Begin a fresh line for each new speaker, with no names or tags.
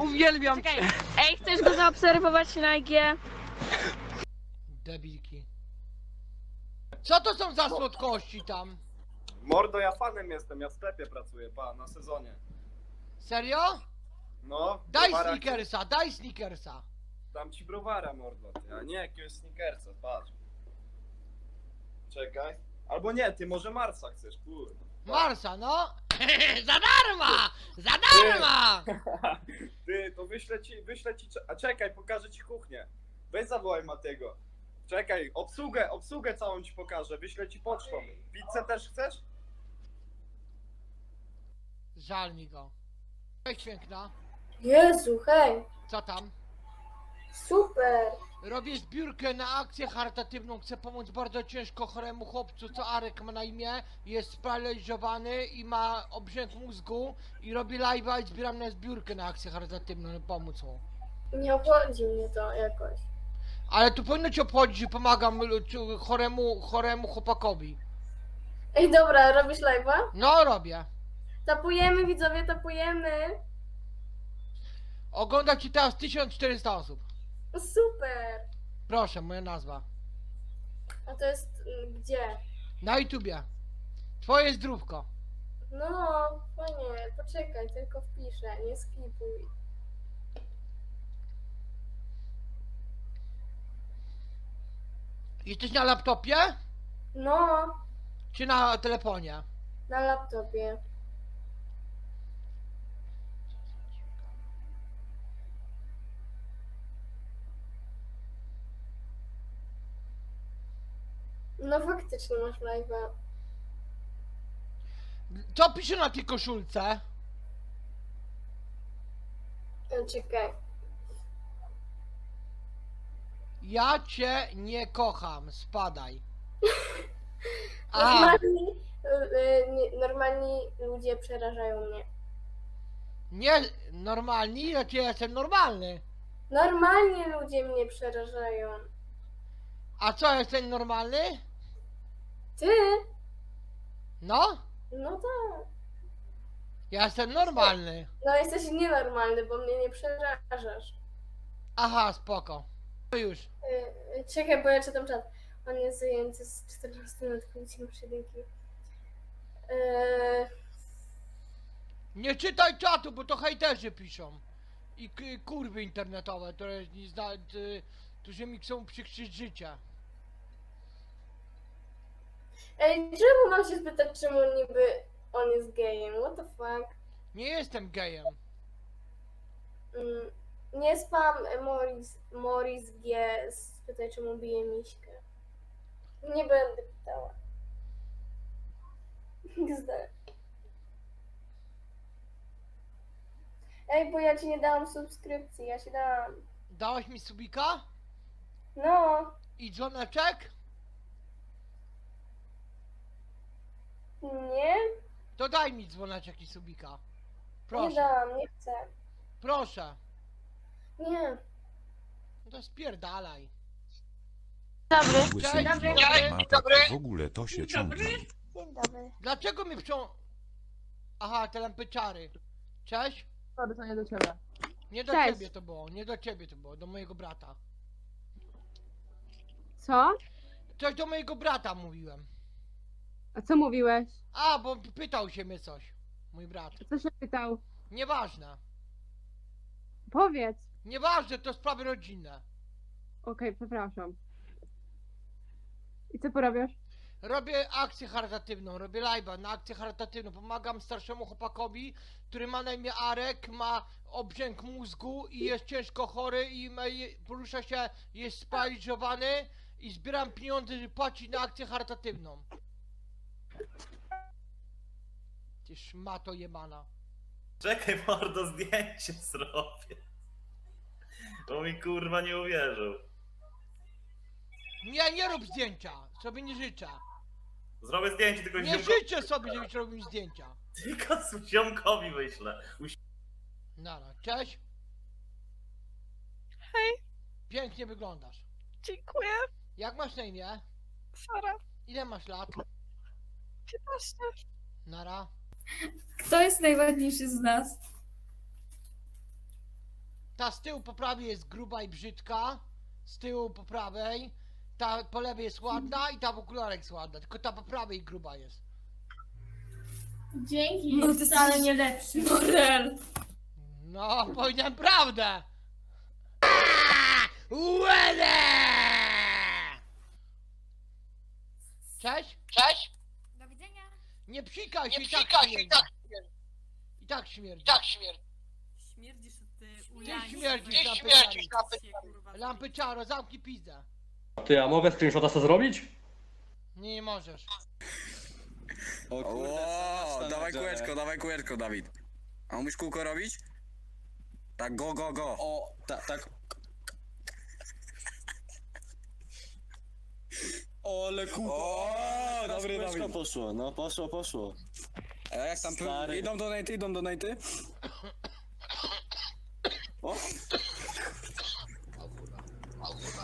Uwielbiam
Czekaj.
cię.
Ej, chcesz go zaobserwować na IG?
Debilki. Co to są za słodkości tam?
Mordo, ja fanem jestem, ja w sklepie pracuję, na sezonie.
Serio?
No,
Daj
browara
snickersa, daj snickersa.
chcesz? Dam ci browara, mordo, ty, a nie jakiegoś snickersa, patrz. Czekaj. Albo nie, ty może Marsa chcesz, kurwa.
Marsa, no. Za darma! Za darma!
Ty, to wyślę ci, a czekaj, pokażę ci kuchnię. Weź zawołaj Matego. Czekaj, obsługę całą ci pokażę, wyślę ci pocztą. Pizzę też chcesz?
Żal mi go. Cześć piękna.
Jezu, hej,
Co tam?
super.
Robię zbiórkę na akcję charytatywną. Chcę pomóc bardzo ciężko choremu chłopcu, co Arek ma na imię. Jest sparaliżowany i ma obrzęk mózgu. I robię live'a i zbieram na zbiórkę na akcję charytatywną. Pomóc mu.
Nie obchodzi mnie to jakoś.
Ale tu powinno cię obchodzić, że pomagam choremu chłopakowi.
Ej, dobra, robisz live'a?
No robię.
Tapujemy, widzowie, tapujemy.
Ogląda ci teraz 1400 osób.
Super.
Proszę, moja nazwa.
A to jest gdzie?
Na YouTubie. Twoje zdrówko.
No, fajnie, poczekaj, tylko wpiszę, nie skipuj.
Jesteś na laptopie?
No,
Czy na telefonie?
na laptopie. No faktycznie masz live'a.
Co pisze na tej koszulce?
Czekaj.
Ja cię nie kocham, spadaj. A,
Normalni ludzie przerażają mnie.
nie normalni, znaczy ja jestem normalny.
Normalni ludzie mnie przerażają.
A co, jestem normalny?
Ty?
No,
No tak.
ja jestem normalny.
No jesteś nienormalny, bo mnie nie przerażasz.
Aha, spoko. To już.
Czekaj, bo ja czytam czat. On jest zajęty z 14 lat, chodzi masz jedynki.
Nie czytaj czatu, bo to hejterzy piszą. I kurwy internetowe, które nie którzy mi chcą przykrzyć życie.
Ej, czemu mam się spytać, czemu niby on jest gejem? What the fuck?
Nie jestem gejem.
Nie spam Morris G. Spytaj, czemu bije miśkę. Nie będę pytała. XD. Ej, bo ja ci nie dałam subskrypcji, ja ci dałam.
Dałaś mi subika?
No,
I dzwoneczek?
nie?
To daj mi dzwoneczek i subika.
Nie
Proszę,
dałam, nie chcę.
proszę.
Nie.
No to spierdalaj.
Dobry.
Cześć,
Łysy
dobry.
dobry. W ogóle to się ciągnie.
Dzień dobry.
Dlaczego mi Aha, te lampyczary. Cześć?
Sorry, to nie do ciebie.
Nie do
Cześć.
ciebie to było, nie do ciebie to było, do mojego brata.
Co?
Coś do mojego brata mówiłem.
A co mówiłeś?
A, bo pytał się mnie coś. Mój brat.
Co się pytał?
Nieważne.
Powiedz.
Nieważne, to sprawy rodzinne.
Okej, przepraszam. I co porabiasz?
Robię akcję charytatywną, robię live'a na akcję charytatywną. Pomagam starszemu chłopakowi, który ma na imię Arek, ma obrzęk mózgu i jest ciężko chory i porusza się, jest sparaliżowany i zbieram pieniądze, żeby płacić na akcję charytatywną. Ty szmato jebana.
Czekaj, mordo, zdjęcie zrobię. Bo mi kurwa nie uwierzył.
Nie rób zdjęcia, sobie nie życzę.
Zrobię zdjęcie, tylko
Nie życzę sobie, żebyś robił zdjęcia.
Tylko ziomkowi wyślę.
Nara, cześć.
Hej.
Pięknie wyglądasz.
Dziękuję.
Jak masz na imię?
Sara.
Ile masz lat?
15.
Nara.
Kto jest najładniejszy z nas?
Ta z tyłu po prawej jest gruba i brzydka. Z tyłu po prawej. Ta po lewej jest ładna i ta w okularach jest ładna. Tylko ta po prawej gruba jest.
Dzięki,
No,
jest
ty
wcale
jesteś-
nie lepszy.
Morel.
No, powiedziałem prawdę! Łele! Cześć? Cześć?
Do widzenia.
Nie psikaj się,
Nie
i tak
psikaj się,
śmierdzi.
i tak
I tak śmierdzi.
Tak śmierdzi.
Śmierdzisz ty
Ty
ujańcu.
śmierdzisz,
Ty
lampy
śmierdzisz,
czaro.
lampy
Się, kurwa,
Lampy czaro, zamknij pizdę.
Ty, a mogę screenshota sobie zrobić?
Nie możesz.
O, dawaj kółeczko, Dawid. A umiesz kółko robić? Tak, go. O, tak. Ole kółko. O, dobry, Dawid.
Poszło, no poszło.
A jak tam idą donaty?